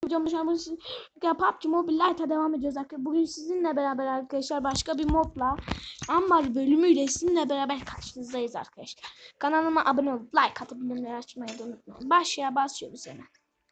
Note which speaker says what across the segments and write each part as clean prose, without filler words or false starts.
Speaker 1: PUBG Mobile Lite'a devam ediyoruz arkadaşlar. Bugün sizinle beraber arkadaşlar başka bir modla Ambar bölümüyle sizinle beraber karşınızdayız arkadaşlar. Kanalıma abone olup like atıp bildirimleri açmayı da unutmayın. Başlığa basıyoruz hemen.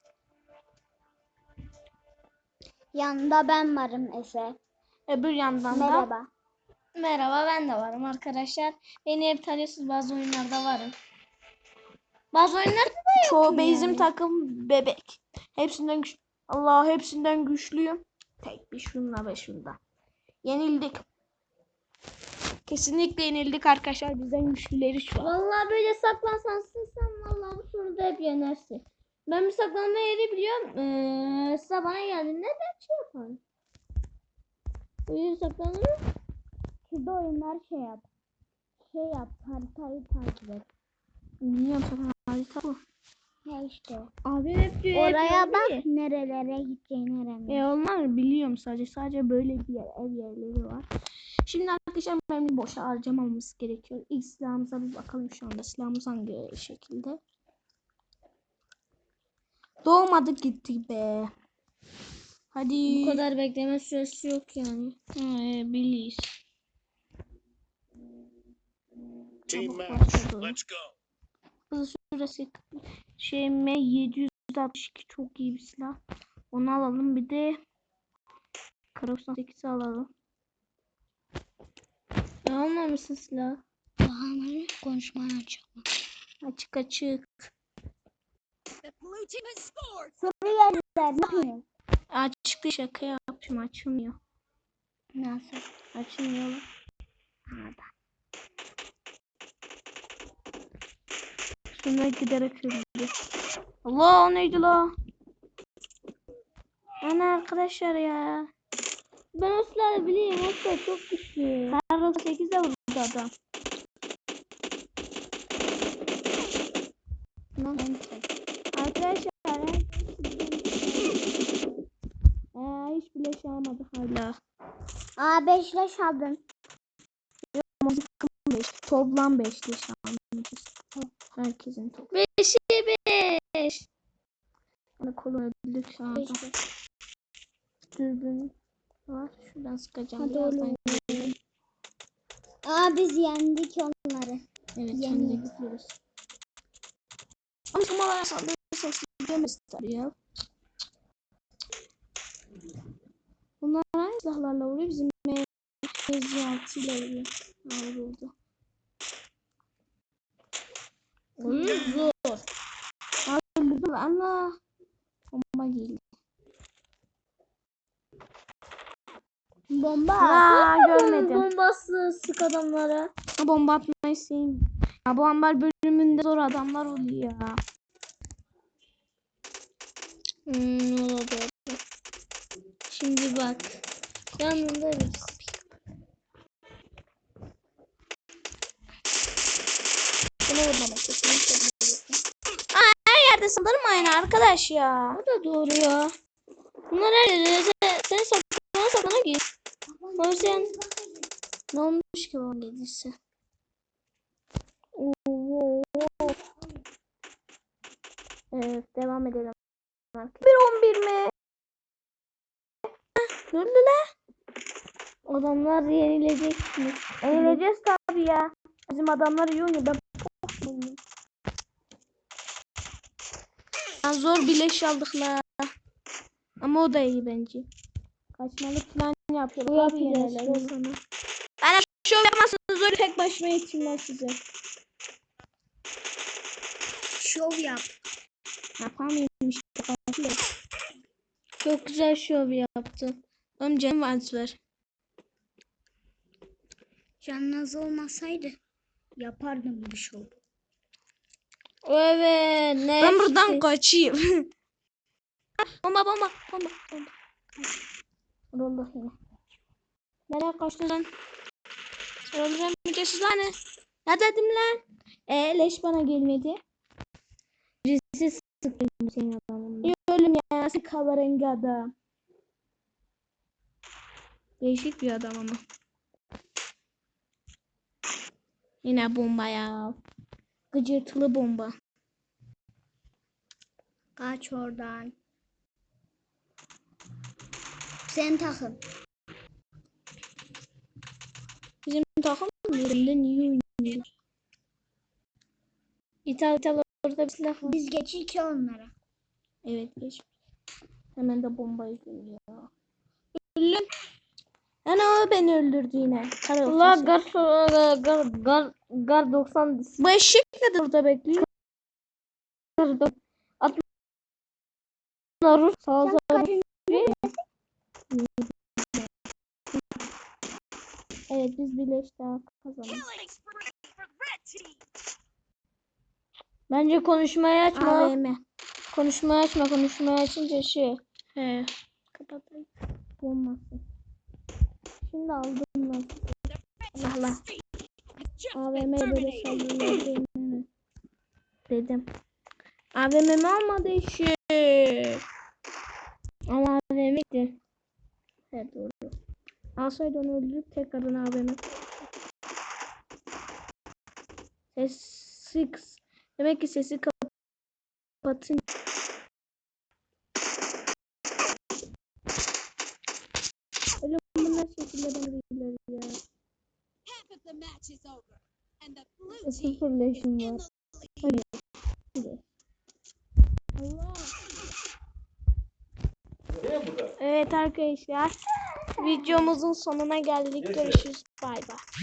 Speaker 2: Yanında ben varım Efe.
Speaker 1: Öbür yandan
Speaker 2: Merhaba.
Speaker 1: da merhaba, ben de varım arkadaşlar. Beni hep tanıyorsunuz, bazı oyunlarda varım. Bazı oyunlarda da yokum yani. Bizim takım bebek. Hepsinden güçlü. Allah, hepsinden güçlüyüm. Tek bir şunla ve şunda. Yenildik. Kesinlikle yenildik arkadaşlar. Bizden güçlüleri şu an.
Speaker 2: Vallahi böyle saklansan vallahi bu soruda hep yenersin. Ben bir saklanma yeri biliyorum. Sıra bana geldiğinde ben şey yaparım. Böyle saklanırım. Şurada oyunlar şey yap. Haritayı takip et.
Speaker 1: Biliyorum zaten, harita bu.
Speaker 2: Ya işte.
Speaker 1: Abi hep diyor.
Speaker 2: Oraya bak nerelere gideceğini öğrenmiş.
Speaker 1: Onlar biliyorum sadece böyle bir yer, ev yerleri var. Şimdi arkadaşlar benim boşa harcamamamız gerekiyor. İlk silahımıza bir bakalım şu anda. Silahımız hangi şekilde? Doğmadık gittik be. Hadi.
Speaker 2: Bu kadar bekleme süresi yok yani.
Speaker 1: Biliyiz.
Speaker 3: Team
Speaker 1: Çabuk
Speaker 3: match.
Speaker 1: başladı.
Speaker 3: Let's go.
Speaker 1: Hızlı süresi M762 çok iyi bir silah. Onu alalım, bir de Kar98'i alalım.
Speaker 2: Ne almamışsın silah? Daha konuşmayı açalım.
Speaker 1: Açık.
Speaker 2: Soru yerler.
Speaker 1: Açıklı, şaka yapmışım, açılmıyor.
Speaker 2: Nasıl?
Speaker 1: Açılmıyor. Nerede? Şuna giderek öldü. Allah, o neydi la? Ana arkadaşlar ya.
Speaker 2: Ben o silahı bileyim. O silah çok güçlü.
Speaker 1: Kar98'de vurdu adam. Arkadaşlar hiç bile şey almadık hala.
Speaker 2: 5 leş aldım.
Speaker 1: Toplam 5 leş almışız. Herkesin toplam.
Speaker 2: 5'e 5.
Speaker 1: Bana kolay öldük şu anda. Dürbün var. Şuradan sıkacağım.
Speaker 2: Hadi
Speaker 1: Birazdan
Speaker 2: oğlum. Biz yendik onları.
Speaker 1: evet,
Speaker 2: Yendik.
Speaker 1: gidiyoruz. Ama kumalara saldırırsak gidemez tabii ya. Bunlar hangi silahlarla vuruyor? Bizim M56 ile vuruyor. Vuruldu.
Speaker 2: Oyun zor.
Speaker 1: Öldürdüm. Allah. Bomba geldi.
Speaker 2: Bomba.
Speaker 1: Görmedim.
Speaker 2: Bombası sık adamlara.
Speaker 1: Bomba atmayı sevmiyorum. Bu ambar bölümünde zor adamlar oluyor ya.
Speaker 2: Olabilir. Şimdi bak. Yanında biz.
Speaker 1: Bunu vurmamak kesinlikle. Her yerde saldırmayın arkadaş ya.
Speaker 2: O da doğru ya. Bunlar her yerde. Sen saklana git. O yüzden
Speaker 1: Ne olmuş ki o gelirse? Evet, devam edelim. 1-11 mi? Gördüler.
Speaker 2: adamlar yenilecek mi?
Speaker 1: Eğleneceğiz tabii ya. Bizim adamlar iyi oynuyor. Ben zor bileş aldık la. Ama o da iyi bence. Kaçmalık falan yapıyor.
Speaker 2: Bu yapacağız
Speaker 1: sana. Bana şov yapmazsanız öyle tek başıma yetişmez size.
Speaker 2: Şov yap.
Speaker 1: Yapamıyorum işte.
Speaker 2: Çok güzel şov yaptın.
Speaker 1: Oğlum canım var.
Speaker 2: Canınız olmasaydı yapardım bu şov.
Speaker 1: Evet.
Speaker 2: Ne?
Speaker 1: Ben buradan kaçayım. bomba. Allah yine. Nereye kaçtın lan? Öldüreceğim müdürsüz lan. Ne dedim lan? Leş bana gelmedi.
Speaker 2: Birisi sıkıyor senin adamın.
Speaker 1: Ölüm ya. Nasıl kahverengi adam. Değişik bir adam ama. Yine bomba ya. Gıcırtılı bomba.
Speaker 2: Kaç oradan. Sen takım.
Speaker 1: Bizim takım yerinde niye oynuyor? İtalya orada bir silah var.
Speaker 2: Biz geçik ki onlara.
Speaker 1: Evet geç. Hemen de bombayı görüyor. Öldüm. Ana o beni öldürdü yine.
Speaker 2: Allah gar 90
Speaker 1: Bu eşek de burada bekliyor.
Speaker 2: Rus
Speaker 1: Sağ ol. Evet biz birleştik kazandık.
Speaker 2: Bence konuşmayı açma.
Speaker 1: AVM.
Speaker 2: Konuşmayı açma. Konuşmayı açınca şey.
Speaker 1: He. Kapatayım.
Speaker 2: Olmasın. Şimdi aldım lan.
Speaker 1: Allah Allah. AVM'ye böyle saldırıyor dedim. AVM'mi almadı eşek.
Speaker 2: Ama AVM'ydi.
Speaker 1: Evet doğru. Alsaydı onu öldürüp tekrardan AVM. Sesi demek ki sesi kapatın. Öyle bunlar şekilde beni bilirler ya.
Speaker 2: Sıfır leşim var.
Speaker 1: Evet arkadaşlar. Videomuzun sonuna geldik. Görüşürüz. Bay bay.